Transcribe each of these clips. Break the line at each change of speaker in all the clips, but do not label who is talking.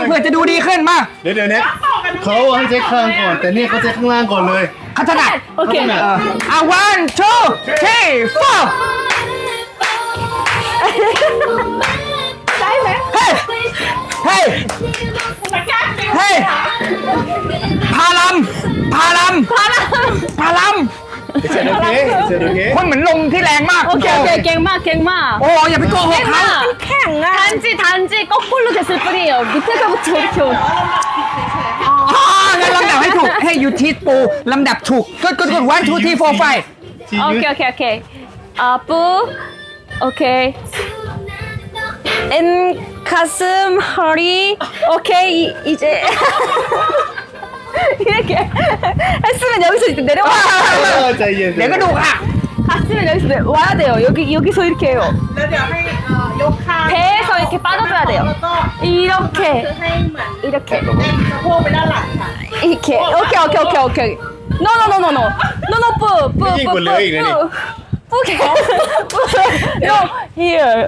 เผื่อจะดูดีขึ้นมา
เดี๋ยวเนี่ยเขาให้เช็คข้างก่อนแต่เนี่ยเขาเช็คข้างล่างก่อนเลย
เขาถนัด
โอเค
one two three four
ได้ไหม
เฮ้ยเฮ้ยเฮ้ยพาลัมพาลัมพาลัม
เสร็จโอเคเสร็จโอเค
คนเหมือนลมที่แรงมาก
โอเคโอเคเก่งมากเก่งมาก
โอ้อย่าไปโกหกเขา
แข่งอะ단지 거꾸로 됐을 뿐이에요. 밑에서부터 이렇게 오.
อ๋องั้นลำดับให้ถูกให้ยูทีปูลำดับถูกกดone two three four five
오케이 오케이 오케이. 뿌. 오케이. 가슴 허리. 오케이 이제 이렇게 했으면 여기서 이제 내려와.
ใจเย็น
เดี๋ยวก็ดูค่ะ
갔으면 여기서 와야 돼요. 여기서 이렇게 해요.
แล้วเดี๋ยวให้ยกข้าง
배에서 이렇게 빠져줘야 돼요.
แล้วก็
이렇게
คือให้เหมือน
이렇게
เด้งสะโพกไปด้านหลังค่ะ
이렇게. 오케이 오케이 오케이 오케이. No no no no no. No no 뿌. 뿌게. No here.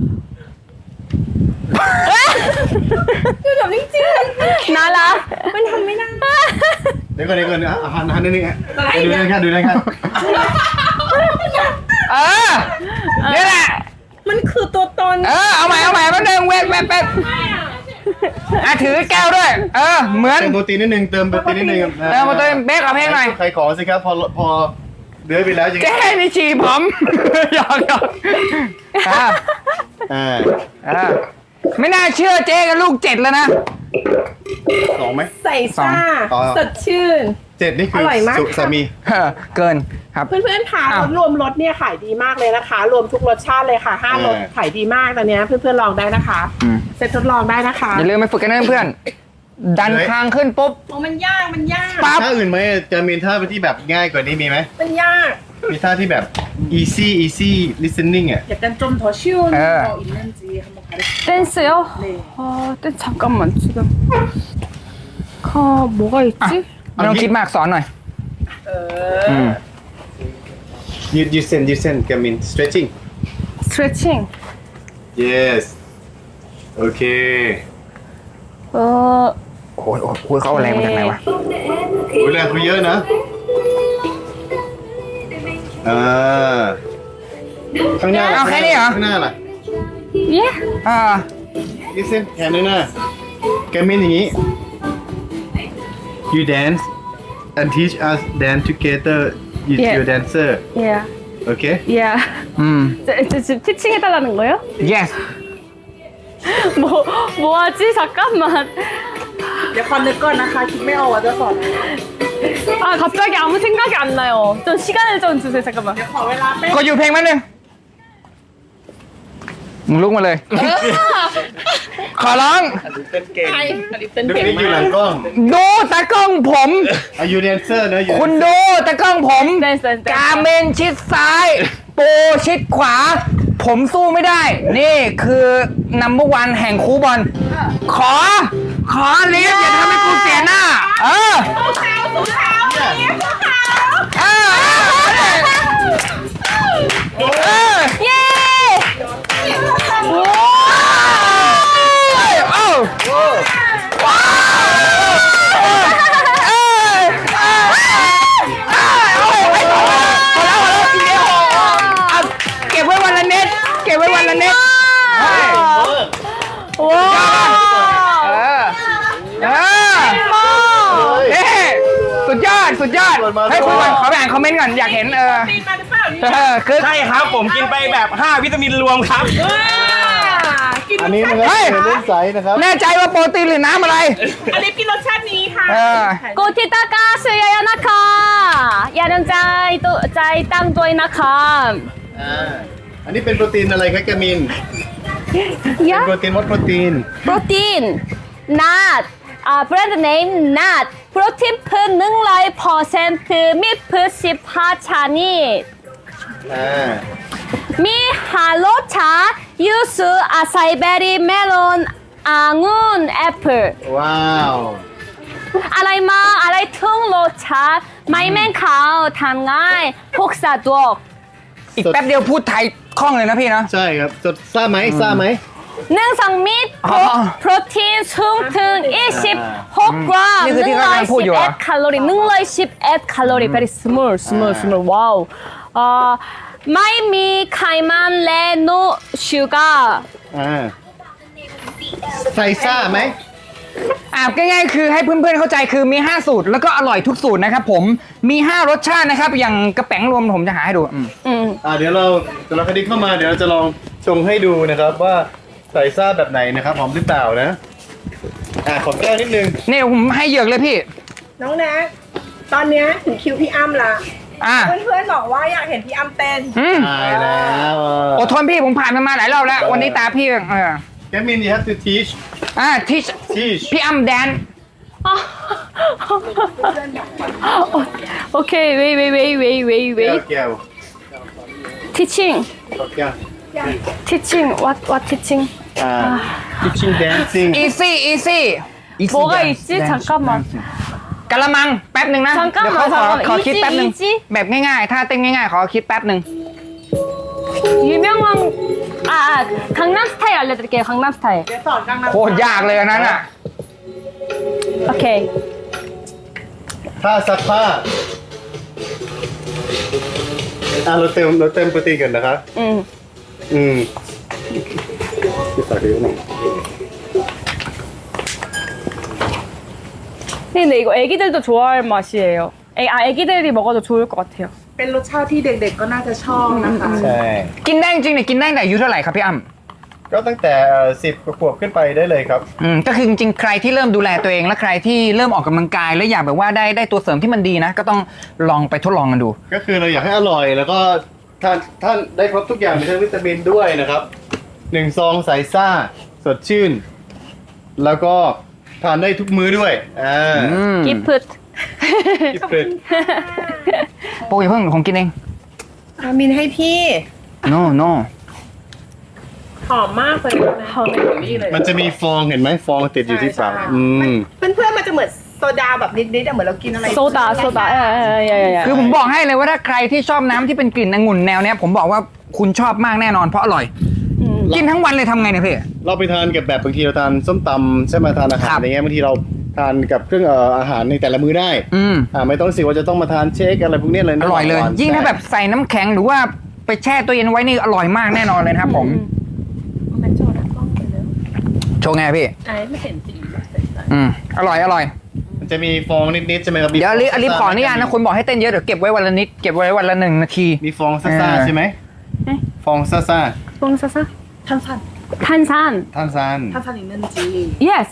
คือแบบจริงๆ
나라.
มันทำไม่ได้
เดี๋ยวก่อนหันนิดนึงดูนั่นค่ะดูนั่นค่ะ
นี่แหละ
มันคือตัวตน
เอาใหม่แป๊บนึงเว้นถือแก้วด้วยเหมือน
เติมโปรตีนนิดนึงเติมโปรตีนนิดนึง
มาเติมเบคกับเพลงหน่อย
ใครขอสิครับพอเดือยไปแล้วยัง
แก้ในฉี่ผมหยอกไม่น่าเชื่อเจ๊กับลูก7แล้วนะ
สองไหม
ใส่ซ่า
ต่อ
สดชื่น
7นี่คือ
ร่อยมาก
สุ
ค่ะ
สามี
เกินครับ
เพื่อนๆค่ะ
อ้าว
รวมรสเนี่ยขายดีมากเลยนะคะ รวมทุกรสชาติเลยค่ะ5รสขายดีมากตอนเนี้ยเพื่อนๆลองได้นะคะเซ็ตทดลองได้นะคะ
อย่าลืมไปฝึกกันนะเพื่อนดันคางขึ้นปุ๊บ
โอ้มันยาก
ปั๊บ
ท่าอื่นไหมจะมีท่าที่แบบง่ายกว่านี้มีไหม
มันยาก
มีท่าที่แบบ easy listening อ่ะ
약간 좀 더 쉬운
네.
거 있는지 한번 가르쳐
댄스요?
네.
댄스 잠깐만 지금. 뭐가 있지?
ไม่ต้องคิดมากสอนหน่อย
you send Gamin stretching
스트레칭.
yes โอเค
โอ้ยเขาเอาแรงมาจากไหนวะ
โอ้ยแรงเขาเยอะนะข้างหน้า
เอาแค่นี้เหรอ
ข้างหน้าล่ะ
예?
listen แขนด้วยนะแกมินอย่างนี้ you dance and teach us dance together with
Yeah.
your dancer
예.
okay
예.
อืม
지금 티칭 해달라는 거예요?
yes
뭐하지? 잠깐만.
เดี๋ยวคอนนึกก่อนนะคะคิดไม่ออกว่าจะสอนอะไร
아 갑자기 아무 생각이 안 나요. 좀 시간을 좀 주세요. 잠깐만.
เดี๋ยวขอเวลาแป๊บ
กดอยู่เพลงแป๊บนึงมึงลุกมาเลย ขอร้อง
ดูนี่อยู่หลังกล้อง
ดูตากล้องผม
Are you dancer นะ you
คุณดูตากล้องผม
댄스
กาเมนชิดซ้าย โปชิดขวา ผมสู้ไม่ได้ นี่คือนัมเบอร์วันแห่งคูบอลขอลิฟต์อย่าทำให้กูเสียหน้า เออ
예! 오!
เก็บไว้วันละเน็ต
와!
สุดยอดให้คุยก่อนขอไปอ่านคอมเมนต์ก่อนอยากเห็น
ปีนมาหรือเปล่าเนี่ย
คือ
ใช่ครับผมกินไปแบบ 5 วิตามินรวมครับ
กิน
อันนี้มันก็เป็นเล่นใสนะครับ
แน่ใจว่าโปรตีนหรือน้ำอะไร
อันนี้กินรสชาตินี้ค่ะ
고티타카 수야야 나카 야는 짜이 또 짜이 땅도이 나카
อันนี้เป็นโปรตีนอะไรครับแกมิน
야
โปรตีนวัดโปรตีน
프로틴 not 브랜드 네임 not 프로틴 프 능라이 퍼센트 미프 14차니 미 할로차 유수 아사이베리 멜론 앙운 애플
ว้าว
อะไรทึ่งรสชาติไม่แม่งขาวทำง่ายพกสะดวก
อีกแป๊บเดียวพูดไทยคล่องเลยนะพี่เนาะ
ใช่ครับซ่าไหม
능성 및 프로틴 숭등 26g
นี่คือที่เขากำลังพูดอยู่เหรอ
110 칼로리 110 칼로리 very small wowไม่มีไขมันและโนชูการ์
ใส่ซ่าไหม
ง่ายๆคือให้เพื่อนๆเข้าใจคือมี5สูตรแล้วก็อร่อยทุกสูตรนะครับผมมี5รสชาตินะครับอย่างกระแป๋งรวมผมจะหาให้ดู
เดี๋ยวเราคดีเข้ามาเดี๋ยวเราจะลองชงให้ดูนะครับว่าใส่ซ่าแบบไหนนะครับหอมหรือเปล่านะขอแก้วนิดนึง
นี่ผมให้เหยือกเลยพี่
น้องแน็กตอนเนี้ยถึงคิวพี่อ้ำละ
อ่ะ
เพื่อนๆบอกว่าอยากเห็นพี่อ้ำเต้น
ตายแล้ว
อดทนพี่ผมผ่านมันมาหลายรอบแล้ว วันนี้ตาพี่
Kevin you have to teach
ที่ พี่อ้ำแดน
오케이 wait
แก้ว
teaching
แก้ว
teaching what teaching
teaching dancing
easy
뭐가 있지 잠깐만
กะละมังแป๊บหนึ่งนะ
잠깐만,
เดี๋ยวเขาขอคิดแป๊บหนึ่ง
easy
แบบง่ายๆถ้าเต้นง่ายๆขอคิดแป๊บหนึ่ง
유명한 강남 스타일 알려드릴게요 강남 스타일
เดี๋ยวสอนกังนำ
โคตรยากเลยอันนั้นอ่ะ
오케이
ผ้าซักผ้าเราเติมโปรตีนกันนะครับที่ใส่เยอะหน่อย
근데 이거 애기들도 좋아할 맛이에요 애기들이 먹어도 좋을 것 같아요
เป็นรสชาติที่เด็กๆก็น่าจะชอบนะคะ
ใช่
กินได้จริงๆเนี่ยกินได้แต่อายุเท่าไหร่ครับพี่อ้ำ
ก็ตั้งแต่10 ขวบขึ้นไปได้เลยครับ
ก็คือจริงๆใครที่เริ่มดูแลตัวเองและใครที่เริ่มออกกำลังกายแล้วอยากแบบว่าได้ตัวเสริมที่มันดีนะก็ต้องลองไปทดลองกันดู
ก็คือเราอยากให้อร่อยแล้วก็ท่านได้ครบทุกอย่างมีทั้งวิตามินด้วยนะครับ1 ซองใส่ซ่าสดชื่น แล้วก็ทานได้ทุกมื้อด้วย
기프트
ที่เปิด
โป้ยาเพิ่งผมกินเอง
มินให้พี่
no
หอมมากเลยนะหอมเลย
มันจะมีฟองเห็นไหมฟองติดอยู่ที่ปาก
เพื่อนๆมันจะเหมือนโซดาแบบนิดๆเหมือนเรากินอะไร
소다 야야야야
คือผมบอกให้เลยว่าถ้าใครที่ชอบน้ำที่เป็นกลิ่นองุ่นแนวเนี้ยผมบอกว่าคุณชอบมากแน่นอนเพราะอร่อย กินทั้งวันเลยทำไงเนี่ยพี่
เราไปทานกับแบบบางทีเราทานส้มตำใช่ไหมทานอาหารอะไรเงี้ยบางทีเราทานกับเครื่องอาหารในแต่ละมื้อได้ไม่ต้องรู้สึกว่าจะต้องมาทานเชคอะไรพวกนี้เลย
อร่อยเลย ยิ่งถ้าแบบใส่น้ำแข็งหรือว่าไปแช่ตัวเย็นไว้นี่อร่อยมากแน่นอนเลยนะครับผมโชว์ไงพี่ไม่เห็นสีอร่อย
มันจะมีฟองนิดๆใช่ไหมครับ
เดี๋ยวอลิฟขออนุญาตนะคนบอกให้เต้นเยอะเดี๋ยวเก็บไว้วันละนิดเก็บไว้วันละ1 นาที
มีฟองซ่าๆใช่ไหมฟองซ่า
뽕사사
ท่านสั่น
탄산
ท่านซาน
ท่านสั่นอีกนึงจี
yes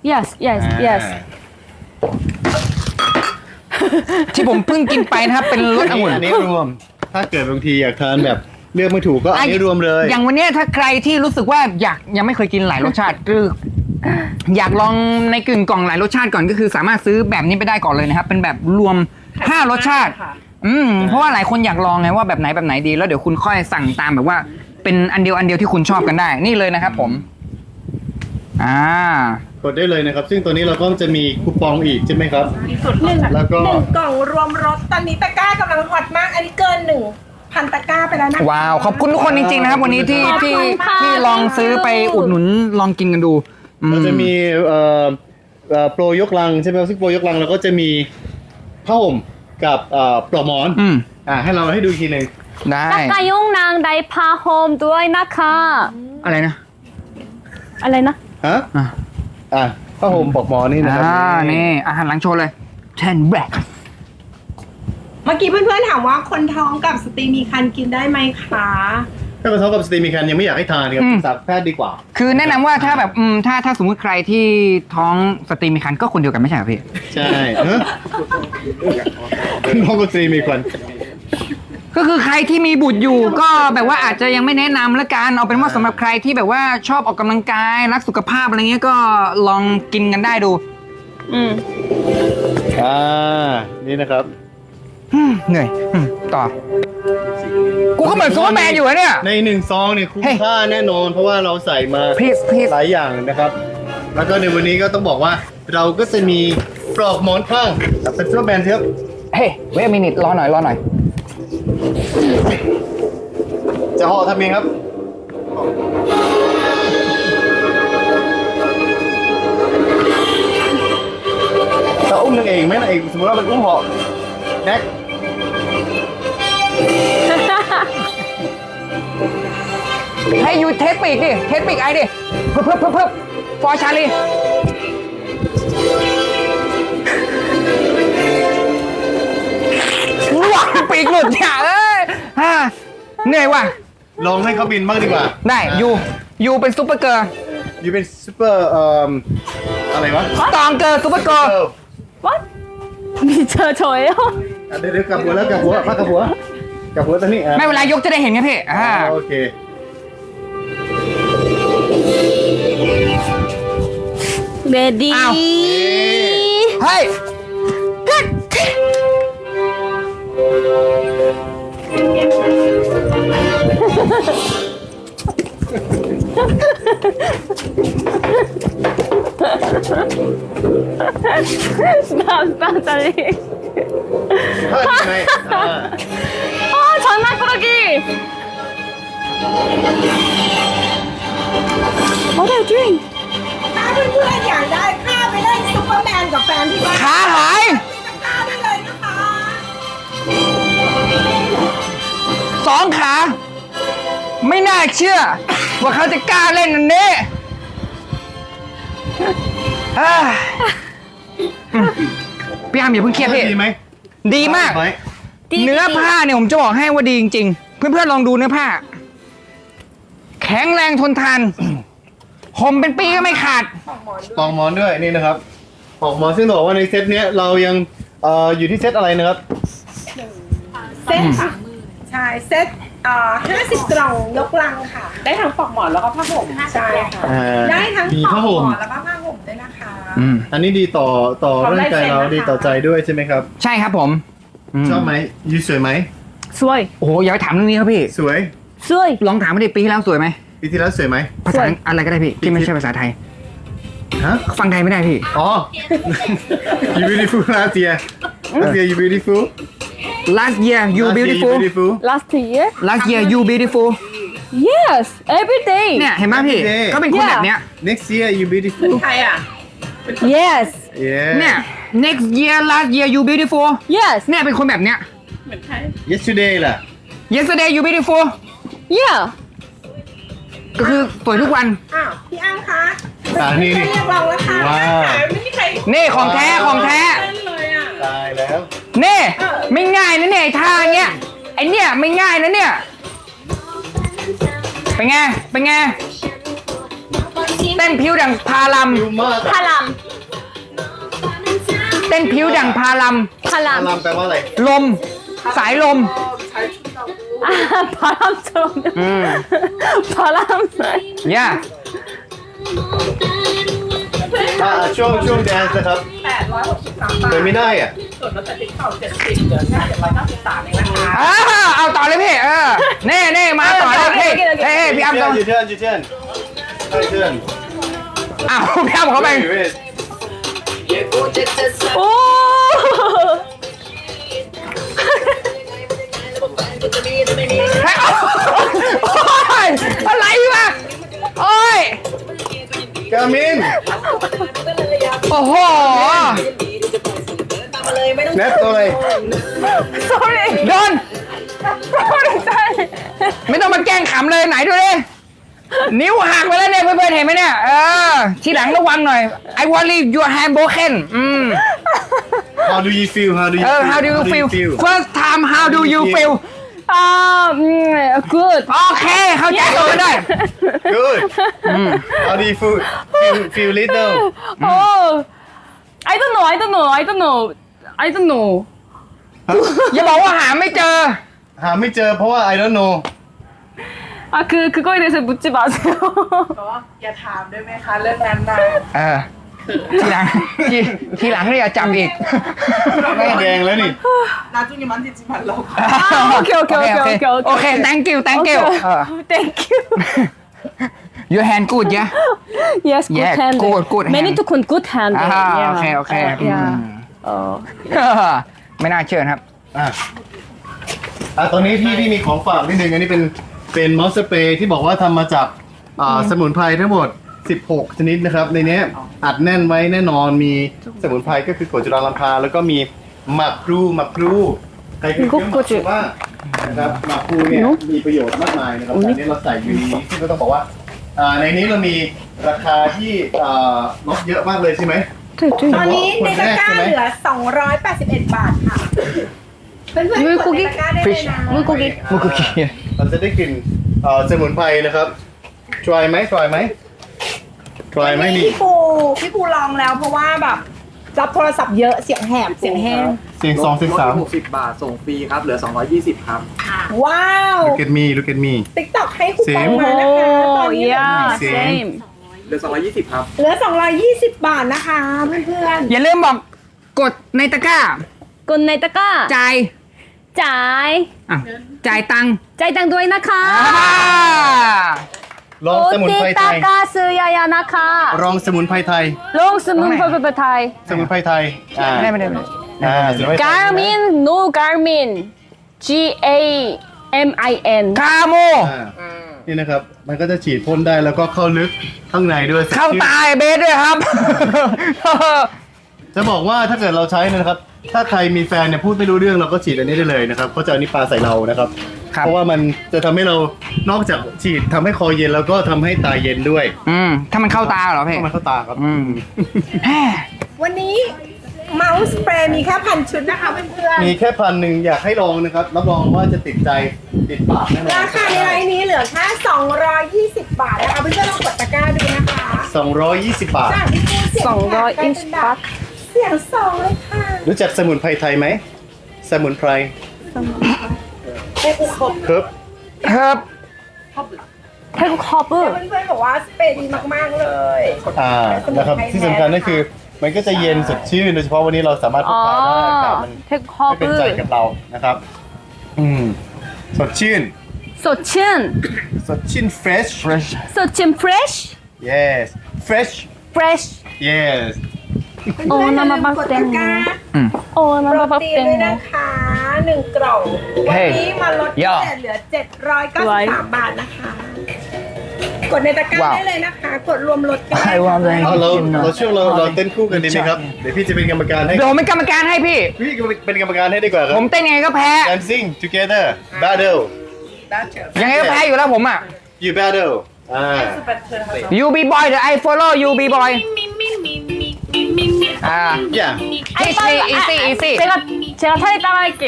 ที่ผมเพิ่งกินไปนะครับเป็นรสองุ่น
อันนี้รวม ถ้าเกิดบางทีอยากทานแบบเลือกไม่ถูกก็อันนี้รวมเลย
อย่างวันเนี้ยถ้าใครที่รู้สึกว่ายังไม่เคยกินหลายรสชาติคืออยากลองในกึ่งกล่องหลายรสชาติก่อนก็คือสามารถซื้อแบบนี้ไปได้ก่อนเลยนะครับเป็นแบบรวม5รสชาติเพราะว่าหลายคนอยากลองไงว่าแบบไหนดีแล้วเดี๋ยวคุณค่อยสั่งตามแบบว่าเป็นอันเดียวที่คุณชอบกันได้นี่เลยนะครับผม
กดได้เลยนะครับซึ่งตัวนี้เราก็จะมีคูปองอีกใช่ไหมครับแล้วก็
1 กล่องรวมรสตอนนี้ตะกร้ากำลังฮอตมากอันนี้เกิน1,000 ตะกร้าไปแล้วนะ
ว้าวขอบคุณทุกคนจริงๆนะครับวันนี้ที่ลองซื้อไปอุดหนุนลองกินกันดู
เราจะมีโปรยกลังใช่ไหมซึ่งโปรยกลังเราก็จะมีผ้าห่มกับปลอกหมอนให้เราให้ดูอีกทีหนึ่ง
ได้
까까용랑 나이파홈ด้วยนะคะ
อะไรนะ
ฮะผ้าห่มปลอกหมอนนี่นะครับ
นี่อาหารหลังโชว์เลย10 แบล็ค
เมื่อกี้เพื่อนๆถามว่าคนท้องกับสตรีมีครรภ์กินได้ไหมคะ
ถ้าคนท้องกับสตรีมีครรภ์ยังไม่อยากให้ทานครับปรึกษาแพทย์ดีกว่า
คือแนะนำว่าถ้าแบบถ้าสมมุติใครที่ท้องสตรีมีครรภ์ก็คนเดียวกันไม่ใช่เหรอพี่
ใช่ท้องกับสตรีมีครรภ์
ก็คือใครที่มีบุตรอยู่ก็แบบว่าอาจจะยังไม่แนะนำละกันเอาเป็นว่าสำหรับใครที่แบบว่าชอบออกกำลังกายรักสุขภาพอะไรเงี้ยก็ลองกินกันได้ดู
นี่นะครับ
เหนื่อยต่อกูก็เหมือนซูเปอร์แมนอยู่อะเนี่ย
ใน1 ซองเนี่ยคุ้มค่าแน่นอนเพราะว่าเราใส่มาหลายอย่างนะครับแล้วก็ในวันนี้ก็ต้องบอกว่าเราก็จะมีปลอกหมอนข้างเป็นซูเปอร์แมนครับ
เฮ้ยเวทมินิทรอหน่อย
จะห่อทำเองครับนางเอกไหมนางเอกสมมติว่ามันอุ้มเหาะแน็ก
ให้ยูเทสปีกดิเทสปีกไอดิเพิ่มฟอร์ชาลีว้าปีกหลุดอย่าเอ้ยเหนื่อยว่ะ
ลองให้เขาบินบ้างดีกว่า
ได้ยูเป็นซุปเปอร์เกิร์ล
ยูเป็นซูเปอร์อะไรวะ
สตองเกิร์ลซุปเปอร์เกิร์ล
What? 진짜 저예요?
เดี๋ยวกลับหัวแล้วกลับหัวพักกลับหัวตอนนี้
ไม่เวลายกจะได้เห็นไงพี่
โอเค
레디.
อ้าว เฮ้ย
스탑 잘리.
เฮ้ยยังไง
아 장난꾸러기. What are you doing?
ถ้าเพื่อนๆอยากได้ค่าไปเล่นซุปเปอร์แมนกับแฟนที่บ้าน
ขาหาย
ค่าได้เลยนะคะ
2 ขา ไม่น่าเชื่อ ว่าเขาจะกล้าเล่นอันนี้พี่อาร์มอย่าเพิ่งเครียดพี่
ดีไหม
ดีมาก
ไหม
เนื้อผ้าเนี่ยผมจะบอกให้ว่าดีจริงๆ เพื่อนๆลองดูเนื้อผ้า แข็งแรงทนทาน ห่มเป็นปีก็ไม่ขาด
ปลอกหมอนด้วยนี่นะครับปลอกหมอนซึ่งบอกว่าในเซตเนี้ยเรายังอยู่ที่เซตอะไรนะครับ
เซ็ตค่ะใช่เซ็ต50 กล่องนกลังค่ะ ได้ทั้งปลอกหมอนแล้วก็ผ้าห่มใช่ค่ะ ได้ทั้ง
มี
ปล
ผ้า
อก
ห่ม
หมอนแล้วก็ผ้าห่มด้วยนะคะ
อันนี้ดีต่อร่างกายเราดีต่อใจด้วยใช่ไหมครับ
ใช่ครับผม
ชอบไหมยูสวยไหม
수아이.
โอ้โหอย่าไปถามเรื่องนี้ครับพี่
สวย
수아이.
ลองถามมาดิปีที่แล้วสวยไหม
ปีที่แล้วสวยไหม
ภาษาอะไรก็ได้พี่ที่ไม่ใช่ภาษาไทย
ฮะ
ฟังไทยไม่ได้พี่
อ๋อ you beautiful last year you beautiful
last year you
Last year
beautiful
beautiful
Last year?
last year you beautiful
Yes. Every day.
เนี่ยเห็นไหมพี่
Every day
ก็เป็นคนแบบเนี้ย
next year you beautiful
ใครอ่ะ
Yes.
yeah
เนี่ย next year last year you beautiful
Yes.
เนี่ยเป็นคนแบบเนี้ย
เหมือนใคร
yesterday ล่ะ
yesterday you beautiful
Yeah.
ก็คือสวยทุกวัน
อ้าว พี่อ้างคะ
นี่
เรียกเราแล้วค่ะ
ว้าว
ไม่มีใคร
นี่ของแท้ของแท้
เล่นเลยอ่ะ
ตายแล้ว
นี่ไม่ง่ายนะเนี่ยไอ้ท่าเงี้ยไอเนี่ยไม่ง่ายนะเนี่ยเป็นไงเป็นไงเต้นผิวดังพาลัม
ดูมาก
바람.
เต้นผิวดังพาลัม
อา
바람.
รามแปลว่าอะไร
ลมสายลม
아, 바람처럼. 바람.
ย่า
ช่วงแดนซ์นะครับ
863 บาท
แต่ไม่ได้อ่ะ
ส่วนลดจากติ๊กเก่า70เหลือแค่793เองนะคะ
เอาต่อเลยพี่เน่มาต่อเลยพี่เฮ้ยพี่อ้ำต่อ
ยูเทิร์น
อ้าวพี่อ้ำเขาไป
오!
เฮ้ยโอ๊ยอะไรวะโอ้ย
กามิน
โอ้โห
แนทตัวอะไร
Sorry.
โดน
Sorry.
ไม่ต้องมาแกล้งขำเลยไหนดูดินิ้วหักไปแล้วเนี่ยเพื่อนๆเห็นไหมเนี่ยทีหลังระวังหน่อย I worry your hand broken
How do you feel
how do you feel first time how do you feel
good.
โอเคเข้าใจกันได้
Good How do you feel little
Oh, I don't know. I don't know. I don't know. I don't know.
อย่าบอกว่าหาไม่เจอ
หาไม่เจอเพราะว่า I don't know
아, 그거에 대해서 묻지 마세요.
อย่าถามได้ไหมคะเรื่องนั้นนะ
ทีหลังทีหลังเนี่ยอย่าจำอีก
หน้าแดงแล้วนี่
나중에 만지지 말라고.
오케이.
โอเค thank you
Thank you.
your hand good yeah
Yes, good
Yeah,
hand.
good
Many
hand.
to con good hand.
โอเค
Yeah.
ไม่น่าเชื่อครับ
ตอนนี้พี่มีของฝากนิดนึงอันนี้เป็นมอสสเปรย์ที่บอกว่าทำมาจากสมุนไพรทั้งหมด 16 ชนิดนะครับ ในเนี้ยอัดแน่นไว้แน่นอนมีสมุนไพรก็คือกรดจุลาลัมพาแล้วก็มีหมักพลูใครเคยเคี้ยวหมักพลูบ้างนะครับหมักพลูเนี่ยมีประโยชน์มากมายนะครับแต่อันนี้เราใส่อยู่ในนี้ซึ่งก็ต้องบอกว่าในนี้เรามีราคาที่ลดเยอะมากเลยใช่ไหม
ตอนนี้ในตะกร้าเหลือ 281 บาทค่ะ เพื่อนๆกดในตะกร้าได้เลยนะ
มุกุกิ
เราจะได้กลิ่นสมุนไพรนะครับทรายไหมนี่
พี่ปูลองแล้วเพราะว่าแบบรับโทรศัพท์เยอะเสียงแหบเสียงแห้ง
เสียง2เสียง
ลด60 บาท ส่งฟรีครับ เหลือ 220 ครับ
ว้าว
3 look at me
ติ๊กต็อกให้คูปองมานะคะตอน
Oh
นี้
yeah,
Same.
same.
เหลือ 220 ครับ
เหลือ 220 บาทนะคะเพื่อน
อย่าลืมบอกกดในตะกร้า
กดในตะกร้า
จ่าย
จ่าย
อ่ะจ่ายตังค์
จ่ายตังค์ด้วยนะคะ
ลองสมุนไพรไท
ตะ
ย
กร้าซื้อยายานะคะ
ลองสมุนไพรไทย
ลงสมุนไพรไทย
สมุนไพรไทย
ไม่ได้
สมุนไพรไทย
Garmin no Garmin G A M I N
คาโม
นี่นะครับ มันก็จะฉีดพ่นได้แล้วก็เข้าลึกข้างในด้วย
เข้าตายเบสด้วยครับ
จะบอกว่าถ้าเกิดเราใช้นะครับ ถ้าใครมีแฟนเนี่ยพูดไม่รู้เรื่องเราก็ฉีดอันนี้ได้เลยนะครับเขาจะเอานี้ปาใส่เรานะครับ
ครับ
เพราะว่ามันจะทำให้เรานอกจากฉีดทำให้คอเย็นแล้วก็ทำให้ตาเย็นด้วย
ถ้ามันเข้าตาเหรอพี่
เข้ามาเข้าตาครับ
ๆ วันนี้เมาส์สเปรย์มีแค่1,000 ชุดนะคะเพื่อน
มีแค่1,000อยากให้ลองนะครับรับรองว่าจะติดใจติดปากแน่นอน
ๆราคาในไลน์นี้เหลือแค่220 บาทนะคะเพื่อนๆลองกดตะกร้าดูนะคะ
220 บาท
จากที่พูดเสียงแหบกลายเป็นแบบเสียงสองเลยค่ะ
รู้จักสมุนไพรไทยไหมสมุนไพร
เอกครบ
ครับ
ครับ
태국 허브
เพื่อนๆบอกว่าสเปรย์ดีมากๆเลย
นะครับที่สำคัญก็คือมันก็จะเย็นสดชื่นโดยเฉพาะวันนี้เราสามารถพกพาได้อากาศมัน
태국
ไม่เป็นใจกับ
허브
เรานะครับสดชื่น
소친
สดชื่น fresh
소친 fresh
yes fresh
fresh
yes
เพื่อนๆอย่าลืมกดตะกร้า
โอ้
โป
น้ำ
ร
มาปัก
ตีน
เต็ม
ด้วยนะคะ1 กล่อง วันนี้มาลดพิ
ย่อ
เศษเหลือ 793 บาทนะคะ กดในตะกร้า
ว้าว
ได้เลยนะคะ กดรวมลดกัน
ใครวางเลย
เอาเราช่วงเราเต้นคู่กันดีไหมครับเดี๋ยวพี่จะเป็นกรรมการให้
เดี๋ยวผมเป็นกรรมการให้พี่
พี่เป็นกรรมการให้ดีกว่าครั
ผ
บ
มเต้นยังไงก็แพ้
dancing together battle
ยังไงก็แพ้อยู่แล้วผมอ่ะ
you battle
You be boy เดี๋ยว I follow you be boy
อย่า
teach me easy easy
제가 차례 따라할게요